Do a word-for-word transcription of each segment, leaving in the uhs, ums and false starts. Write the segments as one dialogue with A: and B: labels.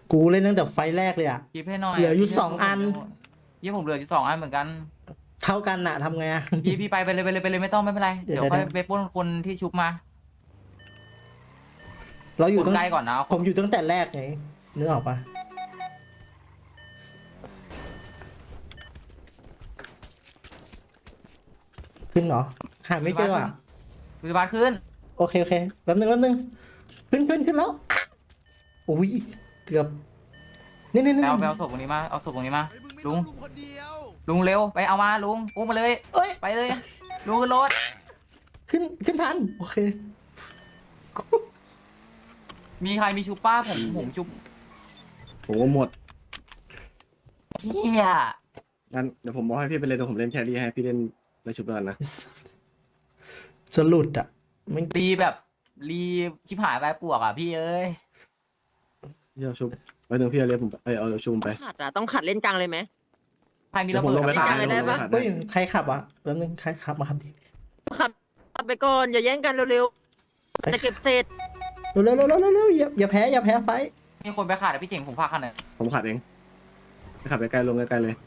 A: กูเล่นตั้งแต่ไฟแรกเลยอะ
B: คลิปให้หน่อย
A: เหลืออยู่สองอัน
B: ยี่ผมเหลืออยู่สองอันเหมือนกัน
A: เท่ากันน่ะทำไงอะ
B: พี่พี่ไปไปเลยไปเลยไปเลยไม่ต้องไม่เป็นไร
A: เดี๋ยว
B: เดี๋ยวค่อย
A: เดี๋ยว
B: ไปปล้นคนที่ชุบมา
A: เราอยู่
B: คน
A: ตั้ง
B: ใกล้ก่อนนะ
A: ผมอยู่ตั้งแต่แรกไงนึกออกปะขึ้นเหรอหาไม่เจออ่ะ
B: วิบาทขึ้น
A: โอเคโอเคแป๊บนึงแป๊บนึงขึ้นขึ้นขึ้นแล้วโอ้ยเกือบนี่นี่
B: ไป
A: นี่
B: เอาไปเอาศพตรงนี้มาเอาศพตรงนี้มา
C: เฮ้ยมึงไม่
B: ลุ
C: ต้อง งลุมคนเดียว
B: ลุงเร็วไปเอามาลุงอุ้มมาเลย
A: เอ้ย
B: ไปเลยลุงขึ้นรถ
A: ขึ้นขึ้นทันโอเค
B: มีใครมีชุบป้าผมผมชุบ
D: ผมก็หมด
B: เฮีย
D: งั้นเดี๋ยวผมบอกให้พี่ไปเลยเดี๋ยวผมเล่นแครี่ให้พี่เล่นในชุบก่อนนะ
A: จะหลุดอ่ะไม่
B: รีแบบรีชิบหายไปปวกอ่ะพี่เอ้ย
D: พี่เอาชุบไว้หนึ่งพี่เอาเรียกผมไปเอ้ยเอาชุบผมไป
E: ขัดอ่ะต้องขัดเล่นกลางเลยไหม
B: ใครมีระเบิด
D: เดี๋ยวผมลงไป
B: อะ
D: หา
B: พี่
E: ได้
D: เดี๋ยวผมลงไปหา
A: เฮ้ยใครขับอ่ะแป๊บนึงใครขับมาครับดิ
E: ขับขับไปก่อนอย่าแย่งกันเร็วๆจะเก็บเศษ
A: เร็วเร็วเร็วเร็วเร็วอย่าอย่าแพ้อย่าแพ้ไฟ
B: มีคนไปขาดอะพี่เจ๋งผมพาคันน่ะ
D: ผมขัดเองไปขับไปไกลๆลงไกลๆเลย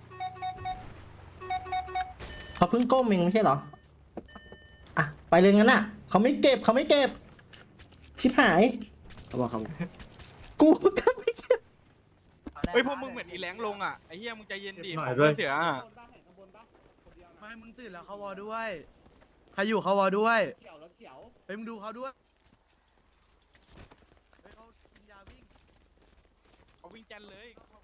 A: เขาเพิ่งก้มเองไม่ใช่เหรออ่ะไปเลยงั้นอ่ะเขาไม่เก็บเขาไม่เก็บชิบหาย
D: เขาบอกเขา
A: กูก็ไม่เก็บ
C: เฮ้ยพวกมึงเหมือนอีแหลงลงอ่ะไอ้เหี้ยมึงใจเย็นดิ
D: หน่
C: ข
D: อ
C: อย ง
D: ด้วย
C: เพื่อนเสืออะไม่มึงตื่นแล้วเขาวอด้วยใครอยู่เขาวอด้วยเฮ้ยมึงดูเขาด้วยเฮ้ยเขากินยาวิ่งเขาวิ่งแจนเลย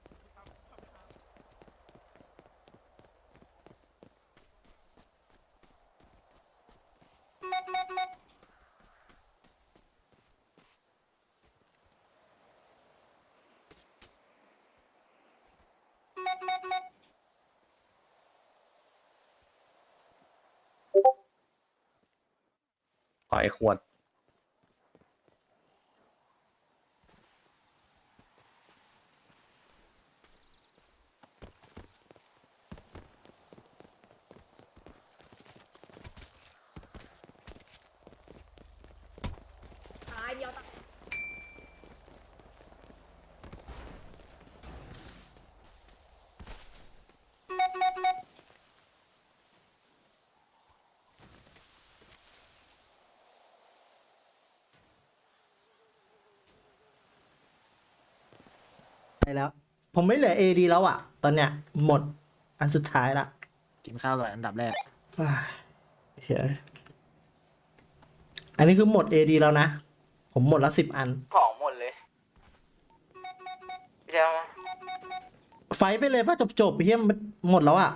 D: ขอไอ้ขวด
A: ไปแล้ว ผมไม่เหลือเอดีแล้วอ่ะ ตอนเนี้ยหมดอันสุดท้ายละ
F: กินข้าวก่อนอันดับแรก
A: อ้ายเฮ้ยอันนี้คือหมดเอดีแล้วนะ ผมหมดละสิบอัน
B: ของหมดเลยพี่เจ้ามา
A: ไฟท์ไปเลยป่ะจบจบๆเฮียมันหมดแล้วอ่ะ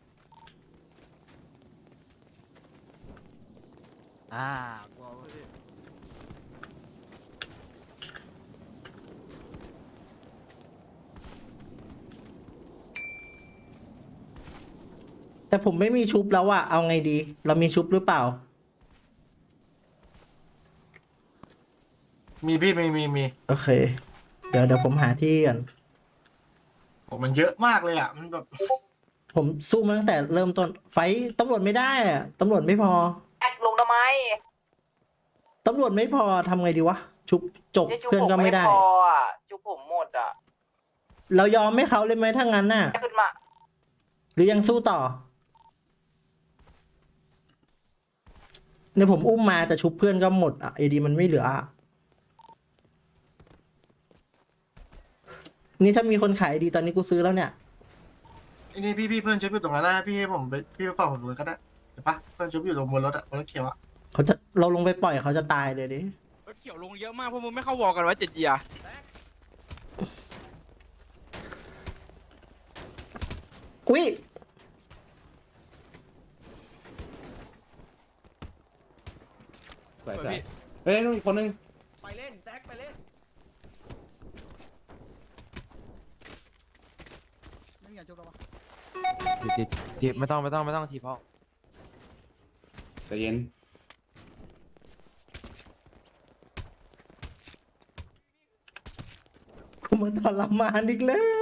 F: อ่ากูเอา
A: แต่ผมไม่มีชุบแล้วอ่ะ เอาไงดี เรามีชุบหรือเปล่า
G: มีพี่มีมีมี
A: โอเค เดี๋ยวเดี๋ยวผมหาที่ก่อน
G: โอ้มันเยอะมากเลยอ่ะ มันแบบ
A: ผมสู้มาตั้งแต่เริ่มต้น ไฟท์ตำรวจไม่ได้อ่ะตำรวจไม่พอ
B: แอดลงทำไม
A: ตำรวจไม่พอทำไงดีวะ ชุบจบ
B: เนี่ยชุบ
A: เพื่อน
B: ผม
A: ก็ไม่
B: ไม่
A: ได้
B: พออ่ะชุบผมหมดอ่ะ
A: เรายอมให้เขาเลยไหมถ้างั้นน่ะ
B: ขึ้นมา
A: หรือยังสู้ต่อเนี่ยผมอุ้มมาแต่ชุบเพื่อนก็หมดอ่ะเอดีมันไม่เหลืออ่ะนี่ถ้ามีคนขายดีตอนนี้กูซื้อแล้วเนี่ย
G: ไอ้นี่พี่พี่เพื่อนชุบอยู่ตรงนั้นนะพี่ให้ผมไปพี่ไปเป่าผมเลยก็ได้เห็นปะเพื่อนชุบอยู่ตรงบนรถอะบนรถเขียวอะ
A: เขาจะเราลงไปปล่อยเขาจะตายเลยดิ
C: รถเขียวลงเยอะมากพวกมึงไม่เข้าวอกันวะเจ็ดเยียร์
A: อุ้ย
D: สวยสวยเฮ้ยนู่นอีกคนนึง
C: ไปเล่นแซกไปเล่น
F: ทีทีไม่ต้องไม่ต้องไม่ต้องทีเพราะ
D: ใจเย็น
A: กูมาทรมานอีกแล้ว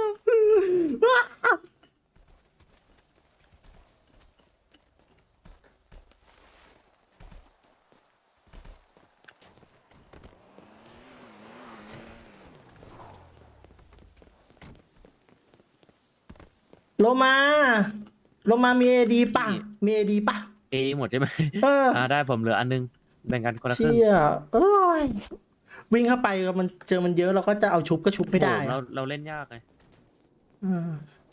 A: โลมาโลมามีเอดีป่ะมีเอดีป่ะ
H: เอหมดใช่ไหม
A: เออ
H: อ่าได้ผมเหลืออันนึงแบ่งกันคนละครึ่ง
A: เชี่ยเอ้ยวิ่งเข้าไปมันเจอมันเยอะเราก็จะเอาชุบก็ชุบไม่ได้
H: โอ้โหเรา
A: อะ
H: เราเล่นยากไง
A: อืม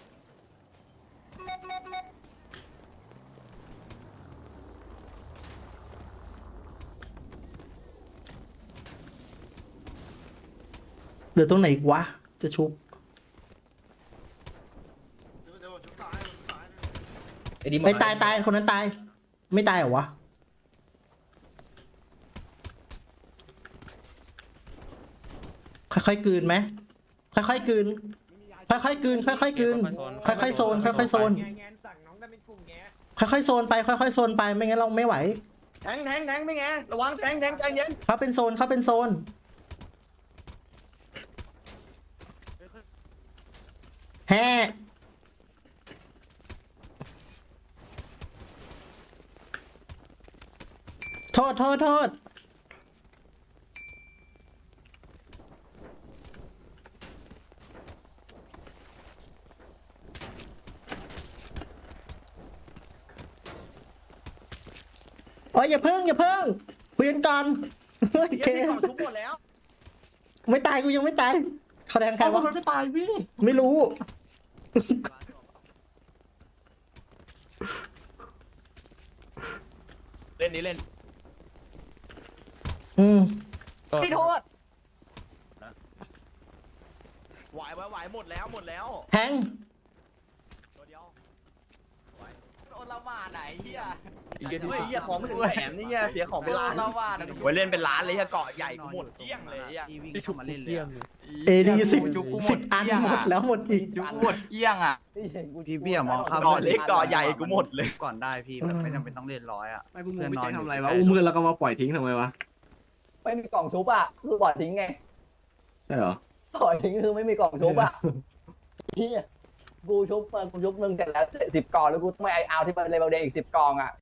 A: เหลือตรงไหนอีกวะ จะชุบ
G: เดี๋ยวเดี๋ยวชุบต่อให้ชุบต่อให้
A: ไม่ตายตายคนนั้นตาย ไม่ตายเหรอวะ ค่อยๆกลืนไหมค่อยๆกลืน ค่อยๆกลืน ค่อยๆกลืน ค่อยๆโซน ค่อยๆโซน ค่อยๆโซนไป ค่อยๆโซนไป ไม่งั้นเราไม่ไหว
C: แทงแทงแทงไม่ไงระวังแทงแทงใจเย็น
A: เขาเป็นโซนเขาเป็นโซน แฮ่โทษโทษโทษโอ้ยอย่าเพิ่งอย่าเพิ่งคุยกันก่อนโอเค
C: ของชุบหมดแล้ว
A: ไม่ตายกูยังไม่ตายเขาแทงใครวะ
G: มันไม่ตายพี่
A: ไม่รู้
C: เล่นนี้เล่น
A: อืม
C: พี่โทษไหวไหวไหวหมดแล้วหมดแล้ว
A: แทง
C: ตัวเดียว
B: โดนละหมาดไหนเฮีย
C: เฮ้ยเหี้ยของไม่ถึงแสนนี่เหี้ยเสียของ
B: โด
C: เป็นล้าน
B: นละหมาด
C: ไว้เล่นเป็นล้านเลยเหี้ยเกาะใหญ่กูหมดเกลี้ยงเลยอ่ะ
F: ที่ชุบมาเล่นเลยอะ
A: เอดีสิบ
B: จุกกูหม
A: สิ
B: ด
A: บอัน
B: เกลี้ยง
A: หมด
B: อะ
A: แล้วหมดอีก
B: จุกกูหมดเกลี้ยงอ่ะ
F: พี่เบี้ยมองข้าม
C: เกาะเล็กเกาะใหญ่กูหมดเลย
F: ก่อนได้พี่แบบไม่จำเป็นต้องเล่นร้อยอ่ะ
D: ไม่คุณโม
F: เพื่อน
D: ไม่
F: นอน
D: แจ้ง
F: อยู่
D: ทำอะไรวะ
F: ใกล้ๆ
D: อุ้มเพื่อนแล้วก็มาปล่อยทิ้งทำไมวะ
I: ไม่มีกล่องชุบอ่ะคือปล่อยทิ้งไง
D: ใช่เหรอ
I: ปล่อยทิ้งคือไม่มีกล่องชุบอ่ะพี่กูชุบมากูชุบหนึ่งเสร็จแล้วสิบกล่องแล้วกูต้องไปเอาที่มันเลเวลเดย์อีกสิบกล่องอ่ะ